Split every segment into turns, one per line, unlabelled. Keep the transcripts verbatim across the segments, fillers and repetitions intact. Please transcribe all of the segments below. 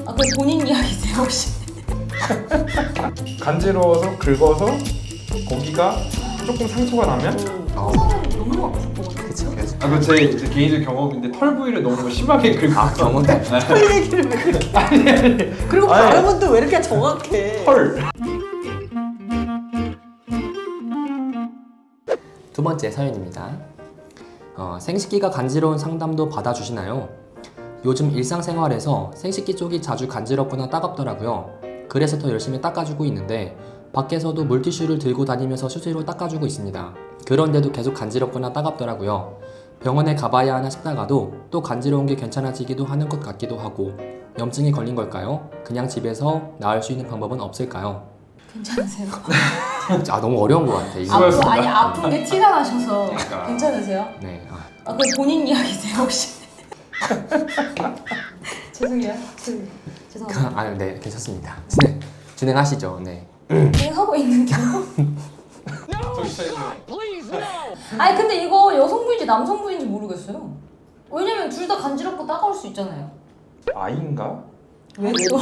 아, 그 본인 이야기세요 혹시?
간지러워서 긁어서 거기가 조금 상처가 나면
어,
너무 아플 것 같아.
그쵸. 그쵸.
아, 그 제 개인적 경험인데 털 부위를 너무 심하게 긁고
아, 경험 때.
털 얘기를 왜 그렇게
아니 아니
그리고
아니.
발음은 또 왜 이렇게 정확해?
털
두 번째 사연입니다. 어, 생식기가 간지러운 상담도 받아주시나요? 요즘 일상생활에서 생식기 쪽이 자주 간지럽거나 따갑더라고요. 그래서 더 열심히 닦아주고 있는데 밖에서도 물티슈를 들고 다니면서 수시로 닦아주고 있습니다. 그런데도 계속 간지럽거나 따갑더라고요. 병원에 가봐야 하나 싶다가도 또 간지러운 게 괜찮아지기도 하는 것 같기도 하고 염증이 걸린 걸까요? 그냥 집에서 나을 수 있는 방법은 없을까요?
괜찮으세요?
아, 너무 어려운 것 같아. 이거.
아프, 아니 아픈 게 티가 나셔서
그러니까.
괜찮으세요?
네. 아,
아, 그 본인 이야기세요 혹시? 죄송해요. 죄송- 죄송합니다.
아, 네, 괜찮습니다. 진행, 진행하시죠. 네.
그냥 하고 있는데요.
정신 차리세요.
아니 근데 이거 여성분인지 남성분인지 모르겠어요. 왜냐면 둘 다 간지럽고 따가울 수 있잖아요.
아인가?
왜
또?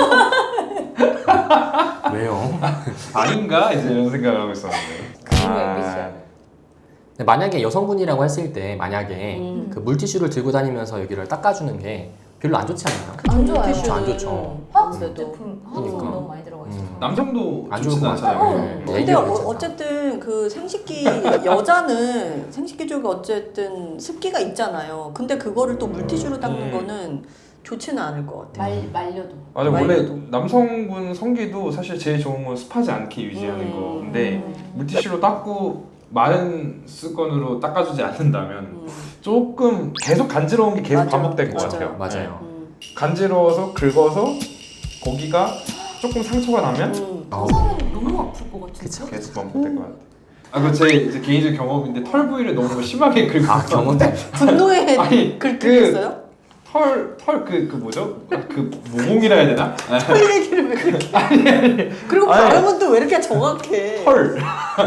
왜요?
아닌가? 이제 이런 생각을 하고 있었는데
그리고 엠비씨야.
근데 만약에 여성분이라고 했을 때 만약에
음.
그 물티슈를 들고 다니면서 여기를 닦아주는 게 별로 안 좋지 않나요?
안 좋아요.
그쵸, 안 좋죠.
화학
아무래도.
제품, 화학 제품
그러니까.
너무 많이 들어가 있어서.
음.
남성도
안
좋진
좋을 것
않잖아요.
같아요.
네,
근데
얘기가
어,
괜찮다.
어쨌든 그 생식기 여자는 생식기 쪽에 어쨌든 습기가 있잖아요. 근데 그거를 또 물티슈로 닦는
음.
거는 좋지는 않을 것 같아요.
말 말려도.
맞아, 원래
말려도.
남성분 성기도 사실 제일 좋은 건 습하지 않게 유지하는
음.
건데 물티슈로 닦고 마른 수건으로 닦아주지 않는다면
음.
조금 계속 간지러운 게 계속
맞아요.
반복될 것
맞아요.
같아요.
맞아요.
음.
네. 간지러워서 긁어서 거기가 조금 상처가 나면
음.
어,
화상은 너무 아플 것 같은데.
그쵸.
계속 반복될 것 같아요. 아, 그 제 이제 개인적 경험인데 털 부위를 너무 심하게 긁고
아, 경험 때.
분노에
아니,
긁혔어요?
털, 털 그, 그 뭐죠? 그 모공이라 해야 되나?
털 얘기를 왜 그렇게? 아니 아니. 그리고
아니.
발음은 또 왜 이렇게 정확해?
털.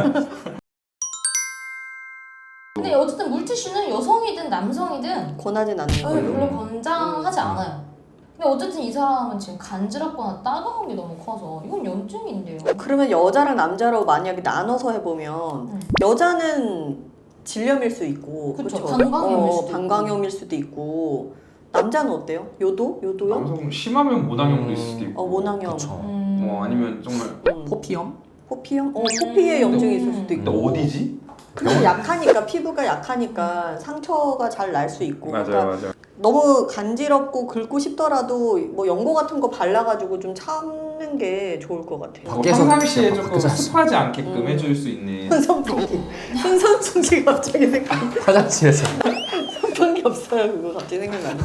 근데 어쨌든 물티슈는 여성이든 남성이든
권하진 않는
어,
거예요.
별로 권장하지
음.
않아요. 근데 어쨌든 이 사람은 지금 간지럽거나 따가운 게 너무 커서 이건 염증인데요.
그러면 여자랑 남자로 만약에 나눠서 해보면
음.
여자는 질염일 수 있고
그쵸,
그쵸?
방광염일
어,
수도
방광염일 수도 있고 남자는 어때요? 요도? 요도요?
남성 심하면 모낭염도
음.
있을 수도 있고
어 모낭염
그쵸.
음.
어, 아니면 정말
음.
포피염?
포피염? 어
음.
포피에 염증이 있을 수도
근데
있고
어디지?
근데 약하니까 피부가 약하니까 상처가 잘 날 수 있고
맞아요,
그러니까
맞아요.
너무 간지럽고 긁고 싶더라도 뭐 연고 같은 거 발라가지고 좀 참는 게 좋을 것 같아요.
뭐
밖에서
평상시에
그냥
조금
밖에서
습하지 않게끔
음.
해줄 수 있는
손선풍기 손선풍기 갑자기 생각
화장실에서.
선풍기 없어요 그거 갑자기 생각나네.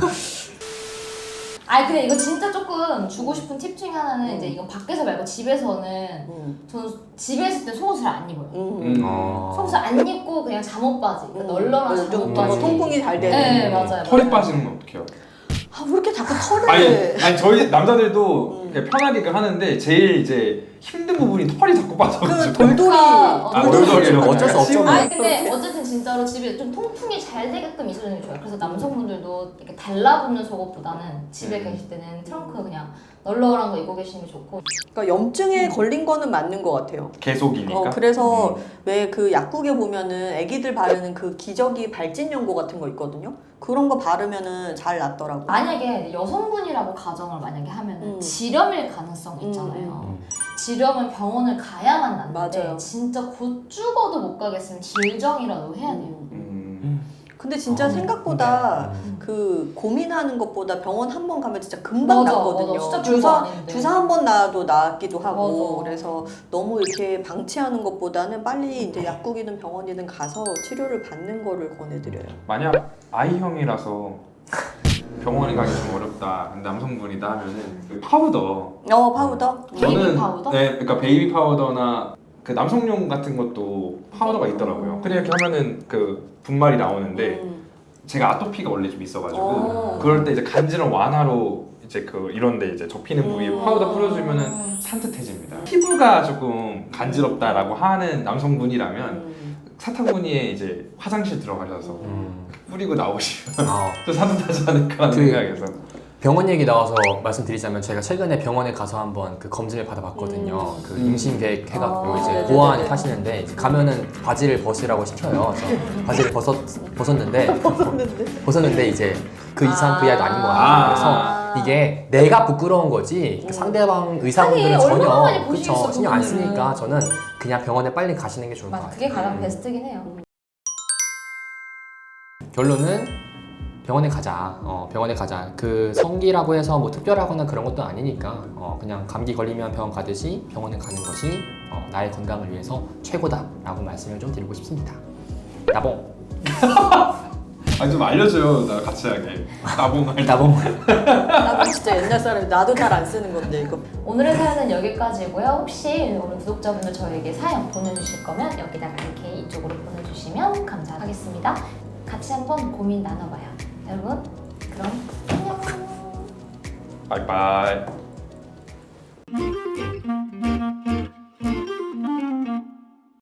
아니 근데 이거 진짜 조금 주고 싶은 팁 중에 하나는 이제 이건 밖에서 말고 집에서는
음.
저는 집에 있을 때 속옷을 안 입어요.
음.
음.
어.
속옷을 안 입고 그냥 잠옷 바지, 그러니까 널널한
음, 좀
잠옷
더
바지.
통풍이 잘 되는.
네 맞아요.
털이
맞아요.
빠지는 건 어떡해요?
아, 왜 이렇게 자꾸 털을.
아니, 아니 저희 남자들도
음.
그냥 편하게 그 하는데 제일 이제 힘든 부분이 털이 자꾸
그
빠져가지고
돌돌이.
아,
아,
돌돌이.
돌돌이로
어쩔 수 없죠.
아니 근데 어쨌든 진짜로 집에 좀 통풍이 잘 되게끔 있어주는 게 좋아요. 그래서 남성분들도 이렇게 달라붙는 속옷보다는 집에
음.
계실 때는 트렁크 그냥 널널한 거 입고 계시는 게 좋고.
그러니까 염증에 걸린 거는 맞는 것 같아요.
계속이니까.
어, 그래서
음.
왜 그 약국에 보면은 애기들 바르는 그 기저귀 발진 연고 같은 거 있거든요. 그런 거 바르면은 잘 낫더라고.
만약에 여성분이라고 가정을 만약에 하면은
음.
질염일 가능성이 있잖아요.
음.
질염은 병원을 가야만 낫는데
맞아요.
진짜 곧 죽어도 못 가겠으면 질정이라도 해야 돼요.
음.
음.
근데 진짜
어,
생각보다
음.
그 고민하는 것보다 병원 한 번 가면 진짜 금방
맞아,
낫거든요.
맞아. 진짜 별거
주사
아닌데.
주사 한 번 놔도 낫기도 하고
맞아.
그래서 너무 이렇게 방치하는 것보다는 빨리 이제 약국이든 병원이든 가서 치료를 받는 거를 권해드려요.
만약 아이형이라서 병원에 가기 좀 어렵다. 근데 남성분이다 하면은 그 파우더.
어 파우더.
베이비 파우더?
네, 그러니까 베이비 파우더나 그 남성용 같은 것도 파우더가 있더라고요. 근데 이렇게 하면은 그 분말이 나오는데
음.
제가 아토피가 원래 좀 있어가지고
어.
그럴 때 이제 간지럼 완화로 이제 그 이런데 이제 접히는 부위에
음.
파우더 뿌려주면은 산뜻해집니다. 피부가 조금 간지럽다라고 하는 남성분이라면
음.
사타구니에 이제 화장실 들어가셔서
음.
뿌리고 나오시면
아,
또 산뜻하지 않을까라는
그-
생각에서.
병원 얘기 나와서 말씀드리자면 제가 최근에 병원에 가서 한번 그 검진을 받아봤거든요.
음.
그 임신 계획 해갖고
아,
이제
네네네.
보호하는 하시는데 이제 가면은 바지를 벗으라고 시켜요. 그래서 바지를 벗었 벗었는데
벗었는데.
벗었는데 이제 그 이상 그 이하도 아닌 것
아.
같아요. 그래서 이게 내가 부끄러운 거지 그 상대방 의사분들은
하긴 얼마나
전혀
많이 보시겠어,
그쵸 신경 안
그분들은.
쓰니까 저는 그냥 병원에 빨리 가시는 게 좋을 것
맞아,
같아요.
그게 가장 베스트긴 해요.
결론은 병원에 가자. 어, 병원에 가자. 그 성기라고 해서 뭐 특별하거나 그런 것도 아니니까 어, 그냥 감기 걸리면 병원 가듯이 병원에 가는 것이 어, 나의 건강을 위해서 최고다라고 말씀을 좀 드리고 싶습니다. 나봉.
아니 좀 알려줘요. 나 같이 하게. 나봉할.
나봉.
나도 진짜 옛날 사람이 나도 잘 안 쓰는 건데 이거.
오늘의 사연은 여기까지고요. 혹시 오늘 구독자분들 저에게 사연 보내주실 거면 여기다가 이렇게 이쪽으로 보내주시면 감사하겠습니다. 같이 한번 고민 나눠봐요. 여러분, 그럼 안녕.
바이바이.